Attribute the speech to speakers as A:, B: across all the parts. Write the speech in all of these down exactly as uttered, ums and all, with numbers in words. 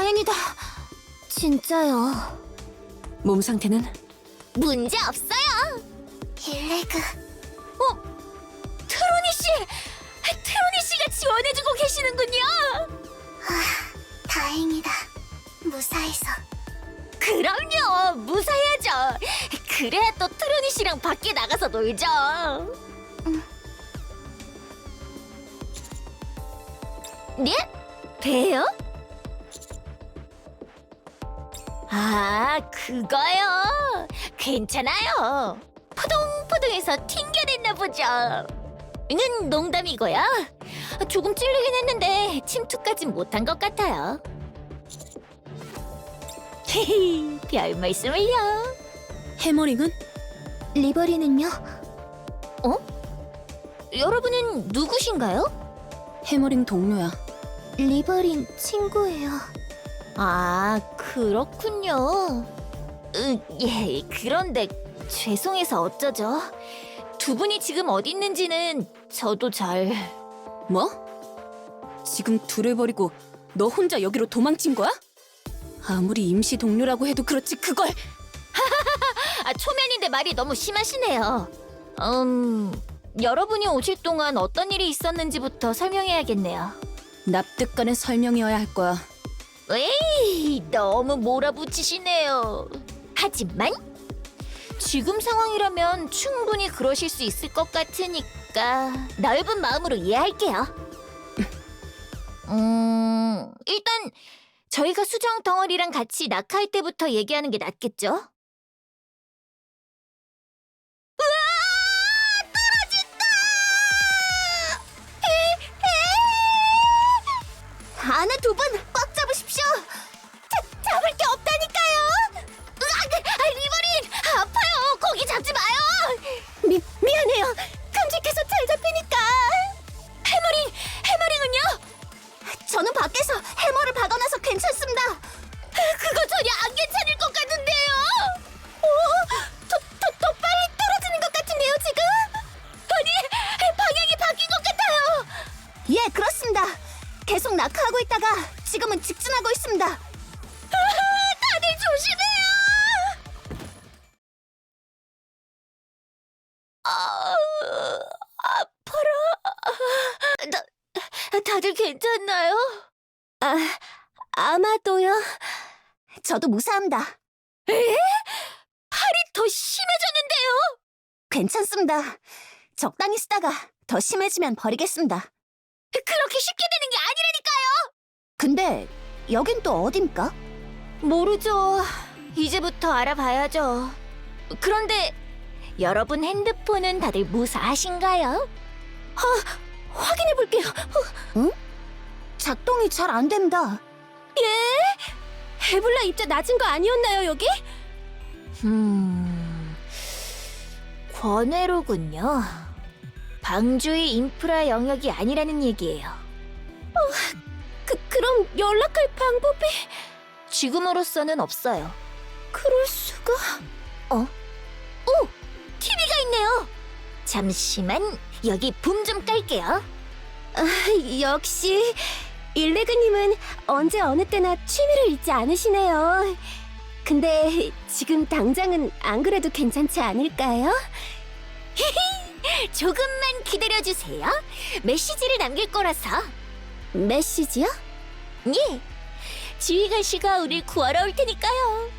A: 다행이다. 진짜요.
B: 몸 상태는?
A: 문제 없어요. 일레그. 어? 트로니 씨! 트로니 씨가 지원해주고 계시는군요. 아, 다행이다. 무사해서. 그럼요, 무사해야죠. 그래야 또 트로니 씨랑 밖에 나가서 놀죠. 응. 네? 배요? 아, 그거요. 괜찮아요. 포동포동해서 튕겨냈나 보죠. 는 농담이고요. 조금 찔리긴 했는데 침투까진 못한 것 같아요. 헤헤, 별 말씀을요.
B: 해머링은?
A: 리버리는요? 어? 여러분은 누구신가요?
B: 해머링 동료야.
A: 리버린 친구예요. 아, 그렇군요. 으, 예, 그런데 죄송해서 어쩌죠? 두 분이 지금 어디 있는지는 저도 잘...
B: 뭐? 지금 둘을 버리고 너 혼자 여기로 도망친 거야? 아무리 임시 동료라고 해도 그렇지 그걸...
A: 아, 초면인데 말이 너무 심하시네요. 음... 여러분이 오실 동안 어떤 일이 있었는지부터 설명해야겠네요.
B: 납득가는 설명이어야 할 거야.
A: 에이, 너무 몰아붙이시네요. 하지만 지금 상황이라면 충분히 그러실 수 있을 것 같으니까 넓은 마음으로 이해할게요. 음, 일단 저희가 수정 덩어리랑 같이 낙하할 때부터 얘기하는 게 낫겠죠? 으아! 떨어진다! 안에 두 분 꽉 잡으십시오. 자, 잡을 게 없다니까요. 으악! 아, 리버린! 아파요. 거기 잡지 마요. 미, 미안해요. 깜찍해서 잘 잡히니까. 해머링! 해머링은요? 저는 밖에서 해머를 박아놔서 괜찮습니다. 그거 전혀 안 괜찮을 것 같은데요. 오, 더, 더, 더 빨리 떨어지는 것 같은데요, 지금? 아니, 방향이 바뀐 것 같아요. 예, 그렇습니다. 계속 낙하하고 있다가 지금은 직진하고 있습니다. 아, 다들 조심해요. 아, 아파라. 다, 다들 괜찮나요? 아, 아마도요. 저도 무사합니다. 에? 팔이 더 심해졌는데요? 괜찮습니다. 적당히 쓰다가 더 심해지면 버리겠습니다. 그렇게 쉽게 되는 게 아니라니까요! 근데 여긴 또 어딘가? 모르죠. 이제부터 알아봐야죠. 그런데 여러분 핸드폰은 다들 무사하신가요? 아, 확인해볼게요. 응? 작동이 잘 안 된다. 예? 에볼라 입자 낮은 거 아니었나요, 여기? 음... 권외로군요. 방주의 인프라 영역이 아니라는 얘기예요. 어, 그, 그럼 연락할 방법이... 지금으로서는 없어요. 그럴 수가... 어? 오! 티비가 있네요! 잠시만, 여기 붐 좀 깔게요. 아, 역시 일레그님은 언제 어느 때나 취미를 잊지 않으시네요. 근데 지금 당장은 안 그래도 괜찮지 않을까요? 조금만 기다려주세요. 메시지를 남길 거라서. 메시지요? 예. 지휘관 씨가 우릴 구하러 올 테니까요.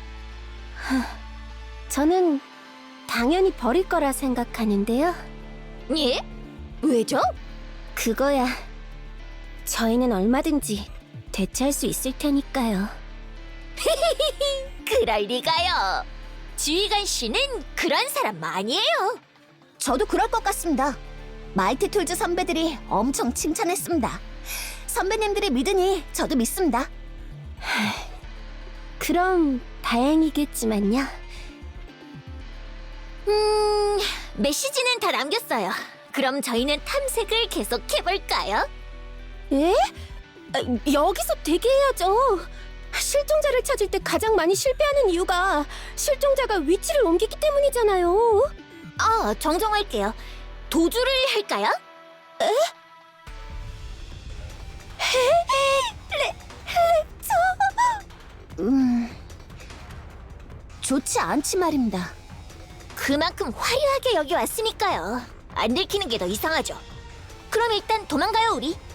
A: 저는 당연히 버릴 거라 생각하는데요. 예? 왜죠? 그거야. 저희는 얼마든지 대체할 수 있을 테니까요. 그럴 리가요. 지휘관 씨는 그런 사람 아니에요. 저도 그럴 것 같습니다. 마이티 툴즈 선배들이 엄청 칭찬했습니다. 선배님들이 믿으니 저도 믿습니다. 그럼 다행이겠지만요. 음... 메시지는 다 남겼어요. 그럼 저희는 탐색을 계속해볼까요? 예? 아, 여기서 대기해야죠. 실종자를 찾을 때 가장 많이 실패하는 이유가 실종자가 위치를 옮기기 때문이잖아요. 아, 정정할게요. 도주를 할까요? 에? 에? 레... 저... 좋지 않지 말입니다. 그만큼 화려하게 여기 왔으니까요. 안 들키는 게 더 이상하죠. 그럼 일단 도망가요, 우리.